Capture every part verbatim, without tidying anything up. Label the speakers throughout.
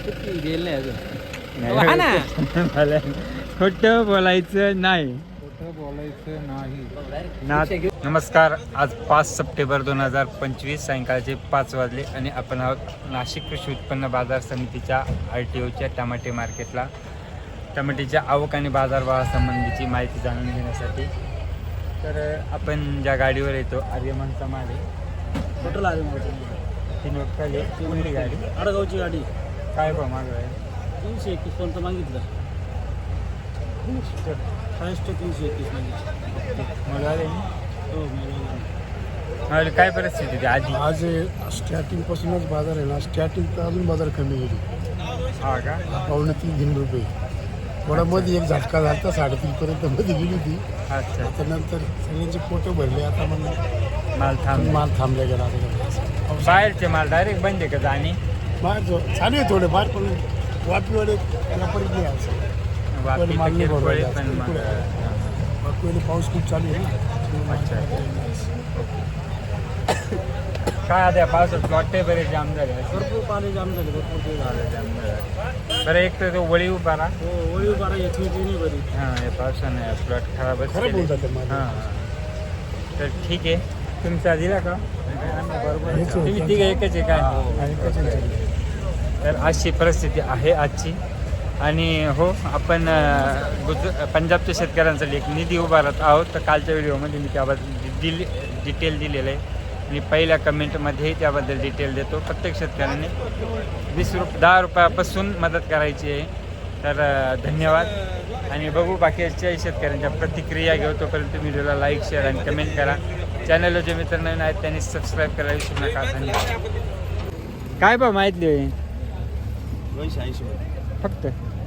Speaker 1: गेल नाही अजून.
Speaker 2: नाही,
Speaker 1: ना
Speaker 2: मला खोटं बोलायचं नाही.
Speaker 1: खोटं बोलायचं नाही.
Speaker 2: ना नमस्कार. आज पाच सप्टेंबर दोन हजार पंचवीस सायंकाळचे पाच वाजले आणि आपण आहोत नाशिक कृषी उत्पन्न बाजार समितीच्या आर टी ओच्या टमाटे मार्केटला. टमाट्याच्या आवक आणि बाजारभावासंबंधीची माहिती जाणून घेण्यासाठी. तर आपण ज्या गाडीवर येतो आर्यमनचा माल आहे.
Speaker 1: टोटल आले
Speaker 2: ती नोट खाली कोणती गाडी?
Speaker 1: आडगावची गाडी.
Speaker 2: काय भाव मागं आहे?
Speaker 1: तीनशे एकवीस पर्यंत मागितलं. हायस्ट तीनशे एकवीस मागितलं.
Speaker 2: मला आले
Speaker 1: हो
Speaker 2: मला काय परिस्थिती होती आधी?
Speaker 3: आज स्टार्टिंग पासूनच बाजार आहे ना, स्टार्टिंग तर अजून बाजार कमी गेली.
Speaker 2: हा का?
Speaker 3: पावणे तीन तीन रुपये थोडा मध्ये एक झटका झाला साडेतीन पर्यंत मध्ये गेली होती.
Speaker 2: अच्छा.
Speaker 3: आता नंतर सगळ्यांचे फोटो भरले. आता मग
Speaker 2: माल थांब
Speaker 3: माल थांबला गेला. आता
Speaker 2: बाहेरचे माल डायरेक्ट बंद आहे का जाणे?
Speaker 3: बाहेर जो चालू आहे थोडे बाहेर, पण वापीवाले त्याला परत नाही असं.
Speaker 2: वापी
Speaker 3: माल
Speaker 2: तर
Speaker 3: नाही
Speaker 2: किरकोळ आहे,
Speaker 3: भरला
Speaker 2: पण मग
Speaker 3: वापीवाले पाऊस खूप चालू आहे ना.
Speaker 2: अच्छा. काय आता पावसात प्लॉटे बरेच जाम झाले.
Speaker 1: भरपूर पाणी जाम झाले. भरपूर ते झालं.
Speaker 2: जाम झाले. बरं, एक तर तो वळी उभा राहा.
Speaker 1: हो वळी बारा येत नाही बरी.
Speaker 2: हां, हे पावसाने प्लॉट खराबच
Speaker 3: खराब होऊन
Speaker 2: केले.
Speaker 3: जाते माल.
Speaker 2: हां तर ठीक आहे. तुमचा दिला का?
Speaker 1: बरोबर.
Speaker 3: हेच
Speaker 2: तुम्ही
Speaker 3: होतं.
Speaker 2: तिघं एकच आहे काय?
Speaker 3: आणि कसं चालू?
Speaker 2: तर अशी परिस्थिती आहे आजची. आणि हो, आपण अं, गुज पंजाबच्या शेतकऱ्यांसाठी एक निधी उभारत आहोत. तर कालच्या व्हिडिओमध्ये मी त्याबद्दल दिली डिटेल दिलेलं आहे आणि पहिल्या कमेंटमध्येही त्याबद्दल डिटेल देतो. प्रत्येक शेतकऱ्याने वीस रुप दहा रुपयापासून मदत करायची आहे. तर अं, धन्यवाद. आणि बघू बाकीच्या शेतकऱ्यांच्या प्रतिक्रिया घेऊ. तोपर्यंत व्हिडिओला लाईक, शेअर आणि कमेंट करा. चॅनलला जे मित्र नवीन आहेत त्यांनी सबस्क्राईब करायला विसरू नका. धन्यवाद. काय बा माहिती आहे?
Speaker 1: दोनशे ऐंशी
Speaker 2: फक्त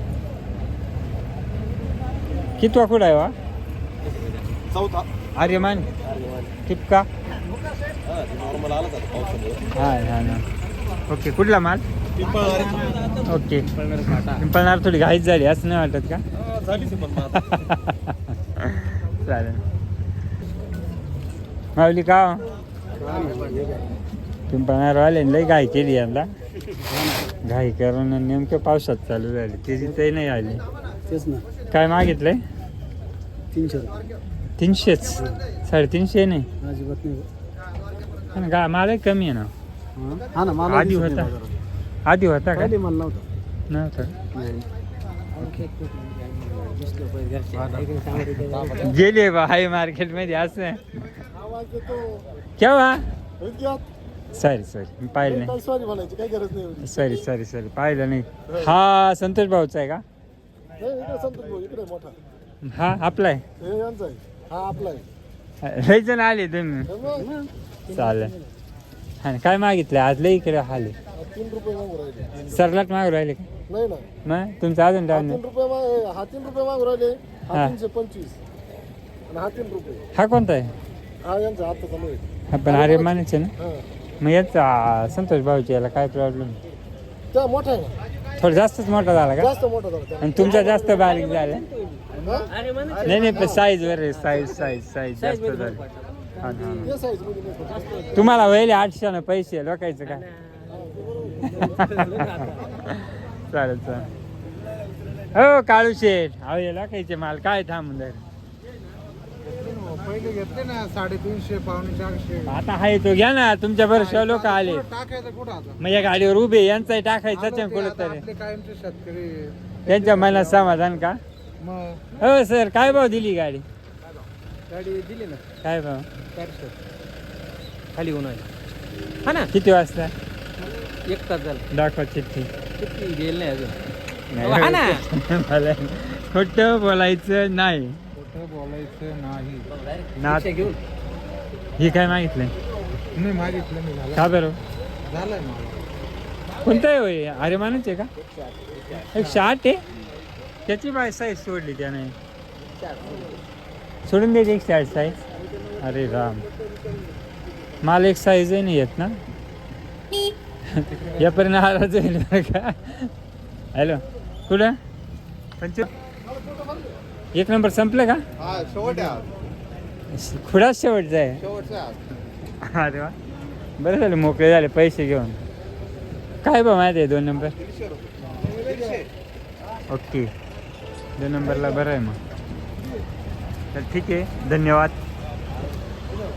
Speaker 2: किती वाकुड आहे वा?
Speaker 1: चौथा.
Speaker 2: आर्यमान टिपका.
Speaker 1: नॉर्मल आला पाऊस.
Speaker 2: हा हा ना. ओके, कुठला माल? ओके. पिंपळनार थोडी घाईच झाली असं नाही वाटत का? चालेल. माऊली का पिंपळनार वाले लई घाई केली यंदा. घाई करून नेमकं पावसात चालू झाली. त्याची ते नाही आली.
Speaker 1: तेच ना.
Speaker 2: काय मागितलंय?
Speaker 1: तीनशे
Speaker 2: तीनशेच. साडेतीनशे नाही
Speaker 1: अजिबात नाही.
Speaker 2: पण गा मालही कमी आहे ना.
Speaker 1: हा ना. मला
Speaker 2: आधी होता. आधी होता का?
Speaker 1: मला नव्हतं.
Speaker 2: नव्हतं. गेले बा हाय मार्केटमध्ये असं केव्हा? सॉरी सॉरी मी पाहिलं नाही.
Speaker 3: सॉरी म्हणायची काही गरज नाही.
Speaker 2: सॉरी सॉरी सॉरी पाहिलं नाही. हा संतोष भाऊचा आहे का?
Speaker 3: इकडे संतोष भाऊ इकडे मोठा.
Speaker 2: हा आपला आहे.
Speaker 3: हे यांचा आहे. हा आपला आहे.
Speaker 2: लई जण आले तुम्ही. चालेल. हा काय मागितलं आज? लई इकडे आले.
Speaker 3: तीन रुपये मागू राहिले.
Speaker 2: सरलाट मागू राहिले का?
Speaker 3: नाही ना.
Speaker 2: मग तुमचं अजून डाऊन
Speaker 3: तीन रुपये मा- हा तीन रुपये मागू राहिले.
Speaker 2: हा.
Speaker 3: हा तीनशे पंचवीस आणि हा तीन रुपये.
Speaker 2: हा कोणता आहे?
Speaker 3: हा यांचा आता चालू आहे.
Speaker 2: हा पण अरे मानायचे ना.
Speaker 3: हा
Speaker 2: मग याचा संतोष भाऊची याला काय प्रॉब्लेम?
Speaker 3: त्या मोठा आहे ना.
Speaker 2: थोडं जास्तच मोठा झाला का?
Speaker 3: जास्त मोठा झाला त्या.
Speaker 2: आणि तुमचा जास्त बारीक झाला?
Speaker 3: हा?
Speaker 2: नाही नाही पण साईज वर साईज साईज साईज जास्त झाली. हा ना.
Speaker 3: ते साईज मध्ये नाही पडत.
Speaker 2: तुम्हाला वहिले आठशे ना पैसे लोकायचं काय? चालेल चालेल. हो काळू शेठ, अहो हे लोकायचे माल काय थांबून जाईल.
Speaker 3: पहिले घेतले ना साडेतीनशे पावणे चारशे.
Speaker 2: आता हाय तो घ्या ना. तुमच्या बरोबर लोक आले.
Speaker 3: टाकायचं कुठं आता?
Speaker 2: मग या गाडीवर उभे यांचाही टाकायचं कुठं तरी.
Speaker 3: आपले कायमचे शेतकरी
Speaker 2: त्यांच्या मनात समाधान का?
Speaker 3: मग
Speaker 2: हो सर, काय भाव दिली गाडी?
Speaker 1: गाडी दिली ना.
Speaker 2: काय भाव?
Speaker 1: चारशे खाली होऊन आली. हा ना.
Speaker 2: किती वाजता?
Speaker 1: एक तास झाला.
Speaker 2: दाखवा चिठ्ठी.
Speaker 1: किती गेल नाही अजून.
Speaker 2: नाही,
Speaker 1: हा ना.
Speaker 2: मला खोटं बोलायचं नाही.
Speaker 3: खोटं बोलायचं नाही.
Speaker 2: ना
Speaker 1: घेऊन
Speaker 2: ही काय मागितलंय?
Speaker 3: नाही मागितलं मी. झालं
Speaker 2: का बरं?
Speaker 3: झालंय मला.
Speaker 2: कोणतं आहे होय? अरे मानूच आहे का? एकशे आठ आहे. त्याची बाय साईज सोडली त्याने. सोडून द्यायची एकशे आठ साईज. अरे राम, मला एक साईजही नाही येत ना. यापर्यंत नाराज होईल बरं का. हॅलो, कुठं पंच एक नंबर संपलं का?
Speaker 3: हा शेवट आहे.
Speaker 2: खुडाच शेवटचा आहे.
Speaker 3: शेवटचा
Speaker 2: अरे वा, बरं झालं मोकळे झाले पैसे घेऊन. काय भाव माहिती आहे दोन नंबर ओके दोन नंबरला बरं आहे मग तर ठीक आहे धन्यवाद